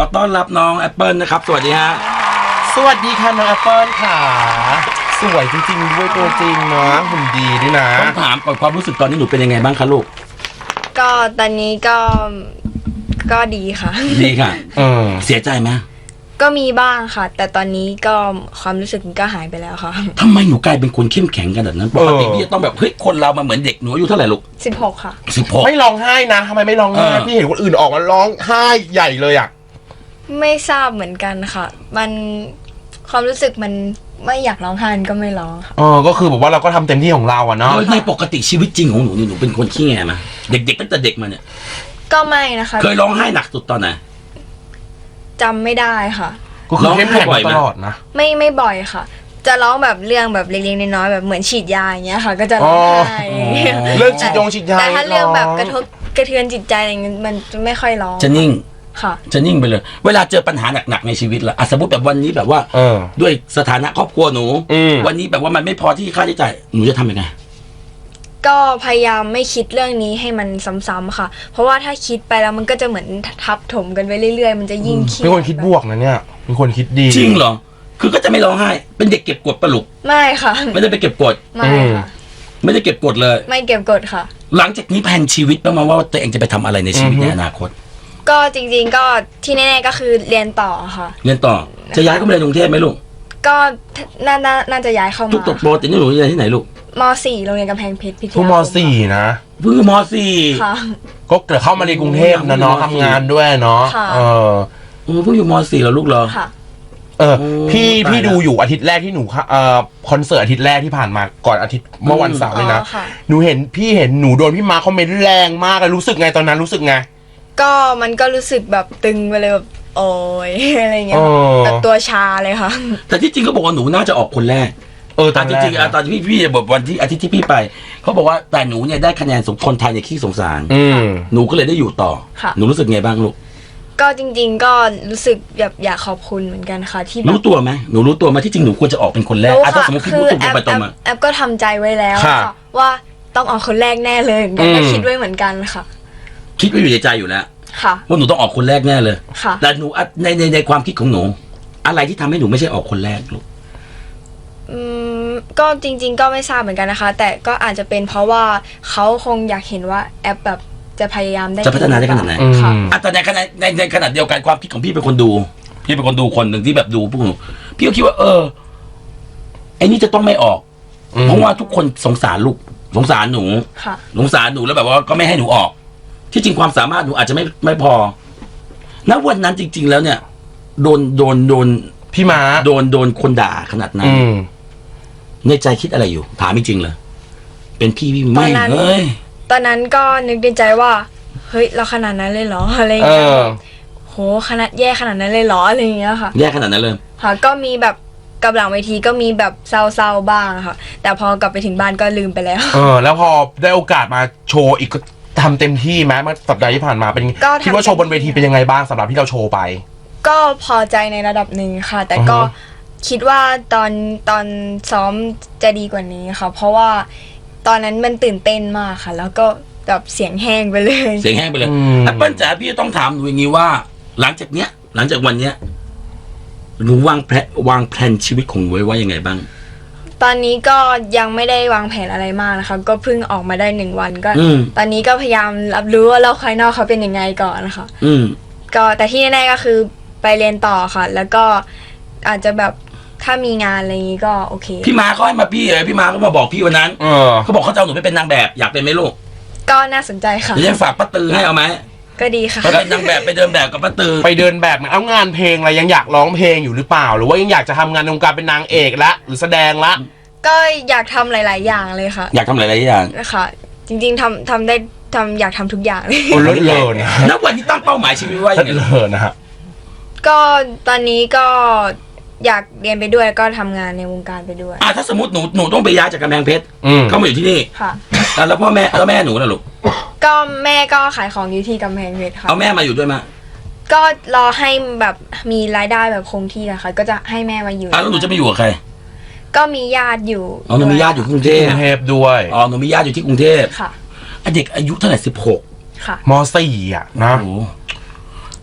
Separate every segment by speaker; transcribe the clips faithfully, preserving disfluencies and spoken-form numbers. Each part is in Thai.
Speaker 1: ต้อนรับน้องแอปเปิลนะครับสวัสดีฮะ
Speaker 2: สวัสดีค่ะน้องแอปเปิลค่ะสวยจริงๆด้วยตัวจริงเนาะหุ่นดีด้วยนะ
Speaker 1: ต้องถามก่อนความรู้สึกตอนนี้หนูเป็นยังไงบ้างคะลูก
Speaker 3: ก็ตอนนี้ก็ก็ดีค่ะ
Speaker 1: ดีค่ะ
Speaker 2: เออ
Speaker 1: เสียใจไหม
Speaker 3: ก็มีบ้างค่ะแต่ตอนนี้ก็ความรู้สึกก็หายไปแล้วค่ะ
Speaker 1: ทำไมหนูกลายเป็นคนเข้มแข็งขนาดนั้นปกติพี่จะต้องแบบเฮ้ยคนเรามาเหมือนเด็กหนูอายุเท่าไหร่ลูก
Speaker 3: สิบหกค่ะ
Speaker 1: สิบหก
Speaker 2: ไม่ร้องไห้นะทำไมไม่ร้องไห้พี่เห็นคนอื่นออกมาร้องไห้ใหญ่เลยอ่ะ
Speaker 3: ไม่ทราบเหมือนกันค่ะมันความรู้สึกมันไม่อยากร้องไห้ก็ไม่ร้องค่ะ
Speaker 2: อ๋อก็คือแบบว่าเราก็ทำเต็มที่ของเราอะเนาะ
Speaker 1: ในปกติชีวิตจริงของหนูนี่หนูเป็นคนขี้แงไหมเด็กๆตั้งแต่เด็กมาเนี่ย
Speaker 3: ก็ไม่นะคะ
Speaker 1: เคยร้องไห้หนักสุดตอนไหน
Speaker 3: จำไม่ได้ค่ะ
Speaker 2: ก็คือเข้มแข็งตลอดนะ
Speaker 3: ไม่ไม่บ่อยค่ะจะร้องแบบเรื่องแบบเล็กๆน้อยๆแบบเหมือนฉีดยาอย่างเงี้ยค่ะก็จะร้องไห้
Speaker 2: เรื่องฉีดยงฉีดยา
Speaker 3: แต่ถ้าเรื่องแบบกระทบกระเทือนจิตใจอะไรเงี้ยมันจะไม่ค่อยร้อง
Speaker 1: จะนิ่ง
Speaker 3: ค่ะ
Speaker 1: จะนิ่งไปเลยเวลาเจอปัญหาหนักๆในชีวิตล่ะสมมติแบบวันนี้แบบว่าด้วยสถานะครอบครัวหนูวันนี้แบบว่ามันไม่พอที่ค่าใช้จ่ายหนูจะทำยังไง
Speaker 3: ก็พยายามไม่คิดเรื่องนี้ให้มันซ้ำๆค่ะเพราะว่าถ้าคิดไปแล้วมันก็จะเหมือนทับถมกันไปเรื่อยๆมันจะยิ่งคิด
Speaker 2: เป็นคนคิดบวกนะเนี่ยเป็นคนคิดดี
Speaker 1: จริงเหรอคือก็จะไม่ร้องไห้เป็นเด็กเก็บกดปะลุก
Speaker 3: ไม่ค่ะ
Speaker 1: ไม่ได้ไปเก็บกด
Speaker 3: ไม่ค่ะ
Speaker 1: ไม่ได้เก็บกดเลย
Speaker 3: ไม่เก็บกดค่ะ
Speaker 1: หลังจากนี้แผนชีวิตบ้างไหมว่าตัวเองจะไปทำอะไรในชีวิตในอนาคต
Speaker 3: ก็จริงๆก็ที่แน่ๆก็คือเรียนต่อค่ะ
Speaker 1: เรียนต่อจะย้ายเข้ามาในกรุงเทพไหมลูก
Speaker 3: ก็น่าน่าจะย้ายเข้ามา
Speaker 1: ทุกตกโปรตินี่หนูเรียนที่ไหนลูก
Speaker 3: ม.สี่ โรงเรียนกำแพงเพชรพิทยาค
Speaker 2: ม.สี่ นะ
Speaker 1: เพิ่งม.สี่
Speaker 3: ค่ะ
Speaker 2: ก็เกิดเข้ามาในกรุงเทพนะเนาะทำงานด้วยเนาะเออ
Speaker 1: โอ้เพิ่งอยู่ม.สี่แล้วลูกเหรอ
Speaker 3: ค่ะ
Speaker 2: เออพี่พี่ดูอยู่อาทิตย์แรกที่หนูเอ่อคอนเสิร์ตอาทิตย์แรกที่ผ่านมาก่อนอาทิตย์เมื่อวันเสาร์เลยนะหนูเห็นพี่เห็นหนูโดนพี่มาคอมเมนต์แรงมากเลยรู้สึกไงตอนนั้นรู้สึกไง
Speaker 3: ก็มันก็รู้สึกแบบตึงไปเลยแบบโอ้ยอะไรเงี้ยแบบตัวชาเลยค่ะ
Speaker 1: แต่ที่จริงเขาบอกว่าหนูน่าจะออกคนแรกเออตอนจริงๆตอนที่พี่พี่บอกวันที่อาทิตย์ที่พี่ไปเขาบอกว่าแต่หนูเนี่ยได้คะแนนสมคนไทยในขี้สงสารหนูก็เลยได้อยู่ต่อหนูรู้สึกไงบ้างลูก
Speaker 3: ก็จริงๆก็รู้สึกแบบอยากขอบคุณเหมือนกันค่ะที่
Speaker 1: รู้ตัวไหมหนูรู้ตัวไหมที่จริงหนูควรจะออกเป็นคนแรกอ่ะถ้าสมมติพี่พูดตรงไปตรงมา
Speaker 3: แอปก็ทำใจไว้แล้วว่าต้องออกคนแรกแน่เลยก็คิดไว้เหมือนกันค่ะ
Speaker 1: คิดไว้อยู่ในใจอยู่แล้ว
Speaker 3: ค่ะ
Speaker 1: ว่าหนูต้องออกคนแรกแน่เลย
Speaker 3: ค่ะ
Speaker 1: แต่หนูในในในความคิดของหนูอะไรที่ทำให้หนูไม่ใช่ออกคนแรกลูก
Speaker 3: อืมก็จริงๆก็ไม่ทราบเหมือนกันนะคะแต่ก็อาจจะเป็นเพราะว่าเขาคงอยากเห็นว่าแอปแบบจะพยายามได้
Speaker 1: จะพัฒนาได้ขนาดไหน
Speaker 3: ค่ะ
Speaker 1: แต่ในขณะในในขณะเดียวกันความคิดของพี่เป็นคนดูพี่เป็นคนดูคนหนึ่งที่แบบดูพวกหนูพี่ก็คิดว่าเออไอ้นี่จะต้องไม่ออกเพราะว่าทุกคนสงสารลูกสงสารหนูสงสารหนูแล้วแบบว่าก็ไม่ให้หนูออกที่จริงความสามารถหนูอาจจะไม่ไม่พอณวันนั้นจริงๆแล้วเนี่ยโดนโดนโดน
Speaker 2: พี่ม้า
Speaker 1: โดนโดนคนด่าขนาดนั้นในใจคิดอะไรอยู่ถามจริงๆเลยเป็นพี่พี่ไม่เฮ้ย
Speaker 3: ตอนนั้นก็นึกในใจว่าเฮ้ยเราขนาดนั้นเลยเหรออะไรอย่างเงี้ยโหขนาดแย่ขนาดนั้นเลยเหรออะไรอย่างเงี้ยค่ะ
Speaker 1: แย่ขนาดนั้นเลย
Speaker 3: ค่ะก็มีแบบกับหลังเวทีก็มีแบบเศร้าๆบ้างค่ะแต่พอกลับไปถึงบ้านก็ลืมไปแล้ว
Speaker 2: เออแล้วพอได้โอกาสมาโชว์อีกก็ทำเต็มที่ไหมเมื่อสัปดาห์ที่ผ่านมาเป็นคิดว่าโชว์บนเวทีเป็นยังไงบ้างสำหรับที่เราโชว์ไป
Speaker 3: ก็พอใจในระดับหนึ่งค่ะแต่ก็คิดว่าตอนตอนซ้อมจะดีกว่านี้ค่ะเพราะว่าตอนนั้นมันตื่นเต้นมากค่ะแล้วก็แบบเสียงแห้งไปเลย
Speaker 1: เสียงแห้งไปเลยแอปเปิ้ลจ๋าพี่ต้องถามหนูอย่างนี้ว่าหลังจากเนี้ยหลังจากวันเนี้ยหนูวางแผนวางแผนชีวิตของหนูไว้ว่ายังไงบ้าง
Speaker 3: ตอนนี้ก็ยังไม่ได้วางแผนอะไรมากนะคะก็เพิ่งออกมาได้หนึ่งวันก็ตอนนี้ก็พยายามรับรู้ว่าโลกภายนอกเขาเป็นยังไงก่อนนะคะก็แต่ที่แน่ๆก็คือไปเรียนต่อค่ะแล้วก็อาจจะแบบถ้ามีงานอะไรอย่างนี้ก็โอเค
Speaker 1: พี่มาเขาให้มาพี่เลยพี่มาเขามาบอกพี่วันนั้นเขาบอกเขาจะเอาหนูไปเป็นนางแบบอยากเป็นไหมลูก
Speaker 3: ก็น่าสนใจค่ะ
Speaker 1: เดี๋ยวจะฝากป้าตือให้เอาไหม
Speaker 3: ก็ดีค่ะ
Speaker 1: ไปเป็นนางแบบไปเดินแบบกับป้าตือ
Speaker 2: ไปเดินแบบมันเอางานเพลงอะไรยังอยากร้องเพลงอยู่หรือเปล่าหรือว่ายังอยากจะทำงานในวงการเป็นนางเอกละหรือแสดงละ
Speaker 3: ก็อยากทำหลายๆอย่างเลยค่ะ
Speaker 1: อยากทำหลายๆอย่าง
Speaker 3: ค่ะจริงๆทำทำได้ทำอยากทำทุกอย่างเลย
Speaker 2: โอ้เลิศเลยนะ
Speaker 1: ณวันนี้ตั้งเป้าหมายชีวิตว่าอย่างไร
Speaker 2: เลิศนะฮะ
Speaker 3: ก็ตอนนี้ก็อยากเรียนไปด้วยก็ทำงานในวงการไปด้วย
Speaker 1: อ่าถ้าสมมติหนูหนูต้องไปย้ายจากกำแพงเพชรเข้ามาอยู่ที่นี่
Speaker 3: ค่ะ
Speaker 1: แล้วพ่อแม่แล้วแม่หนูล่ะลูก
Speaker 3: ก็แม่ก็ขายของอยู่ที่กำแพงเพชรค่ะ
Speaker 1: เอาแม่มาอยู่ด้วยมั้ย
Speaker 3: ก็รอให้แบบมีรายได้แบบคงที่อะค่ะก็จะให้แม่มาอยู่
Speaker 1: อ่าแล้วหนูจะไปอยู่กับใคร
Speaker 3: ก็มีญาติอยู่
Speaker 1: อ๋อหนูมีญาติอยู่กรุงเทพ
Speaker 2: ด้วย
Speaker 1: อ๋อหนูมีญาติอยู่ที่กรุงเทพ
Speaker 3: ค่ะ
Speaker 1: เด็กอายุเท่าไหร่สิบหก
Speaker 3: ค่ะ
Speaker 2: ม.สี่ อ่ะนะ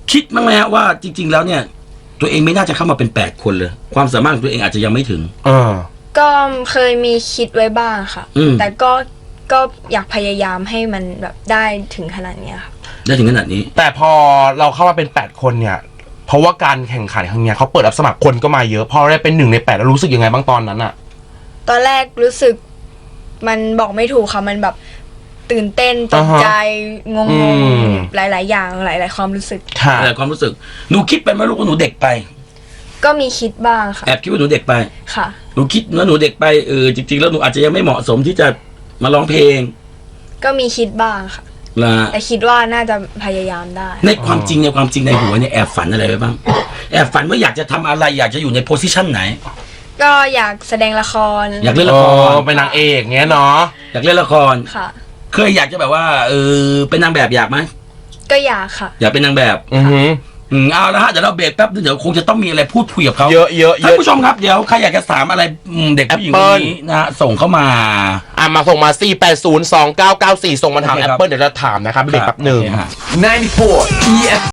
Speaker 1: คิดมั้งไหมฮะว่าจริง ๆ แล้วเนี่ย ตัวเองไม่น่าจะเข้ามาเป็นแปดคนเลย ความสามารถของตัวเองอาจจะยังไม่ถึง
Speaker 2: เออ
Speaker 3: ก็เคยมีคิดไว้บ้างค่ะ
Speaker 1: อืม
Speaker 3: แต่ก็ก็อยากพยายามให้มันแบบได้ถึงขนาดเนี้ยค่ะ
Speaker 1: ได้ถึงขนาดนี้
Speaker 2: แต่พอเราเข้ามาเป็นแปดคนเนี่ยเพราะว่าการแข่งขันครั้งเนี้ยเขาเปิดรับสมัครคนก็มาเยอะพอได้เป็นหนึ่งในแปดแล้วรู้สึกยังไงบ้างตอนนั้นอะ
Speaker 3: ตอนแรกรู้สึกมันบอกไม่ถูกค่ะมันแบบตื่นเต้นตกใจงงๆหลาย ๆ อย่างหลาย ๆ ความรู้สึก
Speaker 2: ค่ะ
Speaker 1: อะไรความรู้สึกหนูคิดไปไหมลูกว่าหนูเด็กไป
Speaker 3: ก็มีคิดบ้างค่ะ
Speaker 1: แอบคิดว่าหนูเด็กไป
Speaker 3: ค่ะ
Speaker 1: หนูคิดว่าหนูเด็กไปเออจริงๆแล้วหนูอาจจะยังไม่เหมาะสมที่จะมาร้องเพลง
Speaker 3: ก็มีคิดบ้างค่ะ
Speaker 1: นะ
Speaker 3: แต่คิดว่าน่าจะพยายามได้
Speaker 1: ในความจริงในความจริงในหัวเนี่ยแอบฝันอะไรไว้บ้างแอบฝันว่าอยากจะทำอะไรอยากจะอยู่ในโพสิชันไหน
Speaker 3: ก็อยากแสดงละคร
Speaker 1: อยากเล่น
Speaker 2: เอ
Speaker 1: ละคร
Speaker 2: อเป็นนางเอกเงี้ยเนาะ
Speaker 1: อยากเล่นละคร
Speaker 3: ค่ะ
Speaker 1: เคยอยากจะแบบว่าเออเป็นนางแบบอยากไหม
Speaker 3: ก็อยากค่ะ
Speaker 1: อยากเป็นนางแบบ
Speaker 2: อือหือ
Speaker 1: อืมเอาละฮะเดี๋ยวเราเบรกแป๊บนึงเดี๋ยวคงจะต้องมีอะไรพูดคุยกับเขา
Speaker 2: เยอะเยอะเย
Speaker 1: ท่าน
Speaker 2: อะ
Speaker 1: ผู้ชมครับเดี๋ยวใครอยากจะถามอะไรอืมเด็กผู้หญิงคนนี้นะฮะส่งเข้ามา
Speaker 2: อ่ะมาส่งมา สี่ แปด ศูนย์ สอง เก้า เก้า สี่ ส่งมาถาม
Speaker 1: โอเค
Speaker 2: แอ
Speaker 1: ครับ
Speaker 2: ปเปิลเดี๋ยวจะถามนะครับเบรกแป๊บหนึ่ง
Speaker 1: โอเคฮะ
Speaker 2: ninety-four อี เอฟ